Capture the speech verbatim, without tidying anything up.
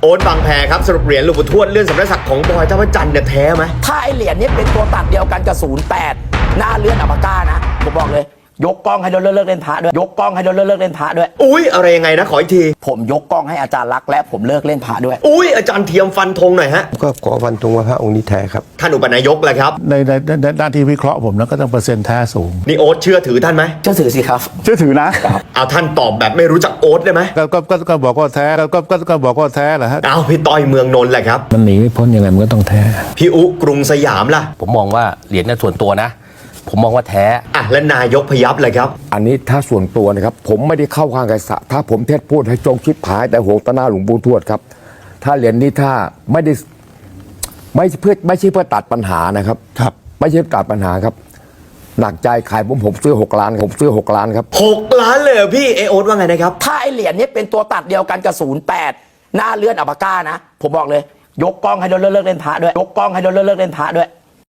โอ๊ตบางแพครับสรุปเหรียญหลวงปู่ทวดเลื่อนสำนักศักดิ์ของบอยท่าพระจันทร์เนี่ยแท้ไหมถ้าไอเหรียญนี้เป็นตัวตัดเดียวกันกับศูนย์แปดหน้าเลื่อนอัปปาก้านะผมบอกเลยยกกล้องให้โดนเลิกเล่นพระด้วยยกกล้องให้โดนเลิกเล่นพระด้วยอุ้ยอะไรยังไงนะขออีกทีผมยกกล้องให้อาจารย์รักและผมเลิกเล่นพระด้วยอุ้ยอาจารย์เทียมฟันธงหน่อยฮะก็ขอฟันธงว่าพระองค์นี้แท้ครับท่านอุปนายกแหละครับในในในด้านที่วิเคราะห์ผมนะก็ต้องเปอร์เซ็นต์แท้สูงนี่โอ๊ตเชื่อถือท่านไหมเชื่อถือสิครับเชื่อถือนะเอาท่านตอบแบบไม่รู้จักโอ๊ตได้ไหมก็ก็ก็ก็บอกว่าแท้ก็ก็ก็บอกว่าแท้แหละฮะเอาพี่ต้อยเมืองนนท์แหละครับมันหนีไม่พ้นยังไงมันก็ต้องแท้พี่อุกรุงสยามล่ะผมมองว่าเหรียญในส่วนตัวนะผมมองว่าแท้อ่ะและนายกพยัพเลยครับอันนี้ถ้าส่วนตัวนะครับผมไม่ได้เข้าข้างใครสะถ้าผมเทศพูดให้จงชิดผายแต่หวงตาหน้าหลวงปู่ทวดครับถ้าเหรียญนี้ถ้าไม่ได้ไม่เพื่อไม่ใช่เพื่อตัดปัญหานะครับครับไม่ใช่ตัดปัญหาครับหนักใจขายผมผมซื้อหกล้านผมซื้อหกล้านครับหกล้านเลยพี่เอโอ๊ตว่าไงนะครับถ้าไอเหรียญนี้เป็นตัวตัดเดียวกันกับศูนย์แปดหน้าเลื่อนอัปปาก้านะผมบอกเลยยกกล้องให้โดนเลิกเล่นพระด้วยยกกล้องให้โดนเลิกเล่นพระด้วย